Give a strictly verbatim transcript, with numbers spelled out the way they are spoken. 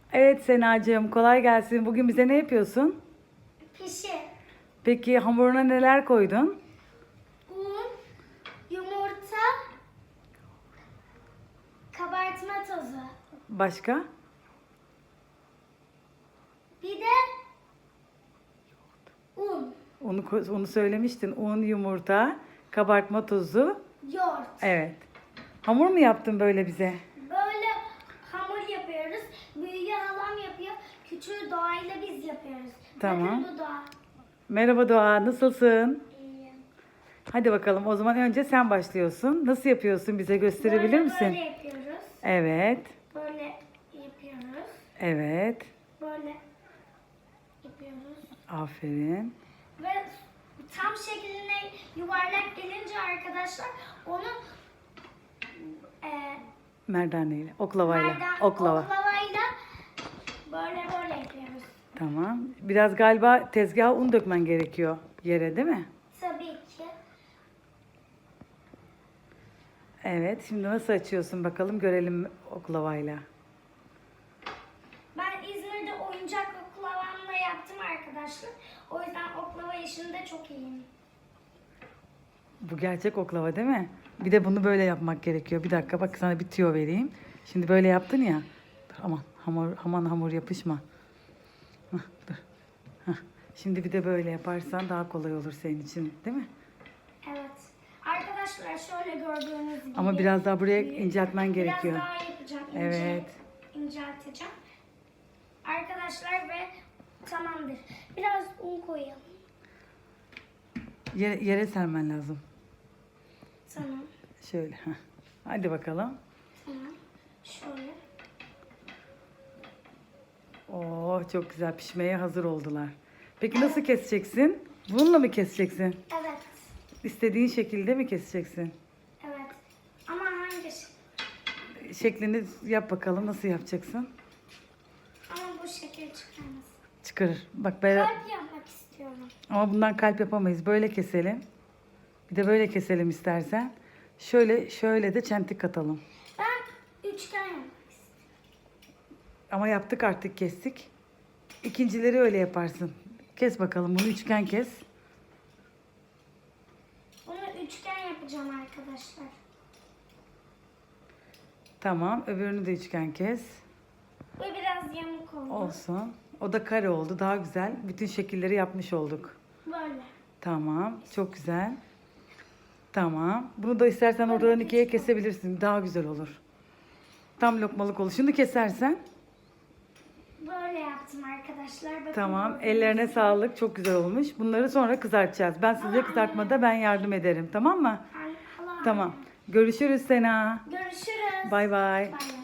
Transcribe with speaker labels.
Speaker 1: Evet Senacığım, kolay gelsin. Bugün bize ne yapıyorsun?
Speaker 2: Pişi,
Speaker 1: Peki hamuruna neler koydun?
Speaker 2: un, yumurta, kabartma tozu.
Speaker 1: Başka?
Speaker 2: Bir de un,
Speaker 1: Onu ko- onu söylemiştin. Un, yumurta, kabartma tozu.
Speaker 2: yoğurt.
Speaker 1: Evet. Hamur mu yaptın böyle bize?
Speaker 2: Böyle hamur yapıyoruz. Büyüğü halam yapıyor. Küçüğü doğayla biz yapıyoruz.
Speaker 1: Tamam.
Speaker 2: Bakın bu doğa.
Speaker 1: Merhaba Doğa, nasılsın?
Speaker 2: İyi.
Speaker 1: Hadi bakalım, o zaman önce sen başlıyorsun. Nasıl yapıyorsun, bize gösterebilir
Speaker 2: Böyle
Speaker 1: misin?
Speaker 2: Böyle yapıyoruz.
Speaker 1: Evet,
Speaker 2: Böyle yapıyoruz.
Speaker 1: evet.
Speaker 2: Böyle yapıyoruz.
Speaker 1: Aferin.
Speaker 2: Ve tam şekline yuvarlak gelince arkadaşlar onu e,
Speaker 1: Merdaneyle, oklavayla.
Speaker 2: merdan-
Speaker 1: Oklava.
Speaker 2: oklavayla böyle böyle yapıyoruz.
Speaker 1: Tamam. Biraz galiba tezgaha un dökmen gerekiyor yere, değil mi?
Speaker 2: Tabii ki.
Speaker 1: Evet. Şimdi nasıl açıyorsun bakalım, görelim oklavayla.
Speaker 2: Ben İzmir'de oyuncak oklavamla yaptım arkadaşlar. O yüzden oklava işinde çok iyiyim.
Speaker 1: Bu gerçek oklava değil mi? Bir de bunu böyle yapmak gerekiyor. Bir dakika, bak sana bir tüyo vereyim. Şimdi böyle yaptın ya. Dur, aman hamur, aman hamur yapışma. Hah, dur. Hah. Şimdi bir de böyle yaparsan daha kolay olur senin için, değil mi?
Speaker 2: Evet. Arkadaşlar şöyle gördüğünüz gibi.
Speaker 1: Ama biraz daha buraya inceltmen gerekiyor.
Speaker 2: Biraz daha yapacağım. ince-
Speaker 1: Evet.
Speaker 2: incelteceğim. Arkadaşlar ve tamamdır. Biraz un koyalım.
Speaker 1: Yere, yere sermen lazım.
Speaker 2: Tamam.
Speaker 1: Şöyle. Hah. Hadi bakalım.
Speaker 2: Tamam. Şöyle.
Speaker 1: Oo, çok güzel, pişmeye hazır oldular. Peki nasıl keseceksin? Bununla mı keseceksin?
Speaker 2: Evet.
Speaker 1: İstediğin şekilde mi keseceksin?
Speaker 2: Evet. Ama hangi şey?
Speaker 1: Şeklini yap bakalım, nasıl yapacaksın?
Speaker 2: Ama bu şekil çıkarmaz.
Speaker 1: Çıkarır. Bak ben
Speaker 2: Kalp yapmak istiyorum.
Speaker 1: ama bundan kalp yapamayız. Böyle keselim. Bir de böyle keselim istersen. Şöyle şöyle de çentik katalım.
Speaker 2: Ben üçgen yapmak istiyorum.
Speaker 1: Ama yaptık artık, kestik. İkincileri öyle yaparsın. Kes bakalım, bunu üçgen kes.
Speaker 2: Bunu üçgen yapacağım arkadaşlar.
Speaker 1: Tamam, öbürünü de üçgen kes.
Speaker 2: Bu biraz yamuk oldu.
Speaker 1: Olsun. O da kare oldu. Daha güzel. Bütün şekilleri yapmış olduk.
Speaker 2: Böyle.
Speaker 1: Tamam. Çok güzel. Tamam. Bunu da istersen oradan ikiye kesebilirsin. Daha güzel olur. Tam lokmalık olur. Şunu kesersen.
Speaker 2: Böyle yaptım arkadaşlar. Bakın
Speaker 1: Tamam.
Speaker 2: böyle.
Speaker 1: Ellerine sağlık. Çok güzel olmuş. Bunları sonra kızartacağız. Ben size kızartmada ben yardım ederim. Tamam mı?
Speaker 2: Hala-
Speaker 1: Tamam. Görüşürüz Sena.
Speaker 2: Görüşürüz.
Speaker 1: Bay bay.
Speaker 2: Bay bay.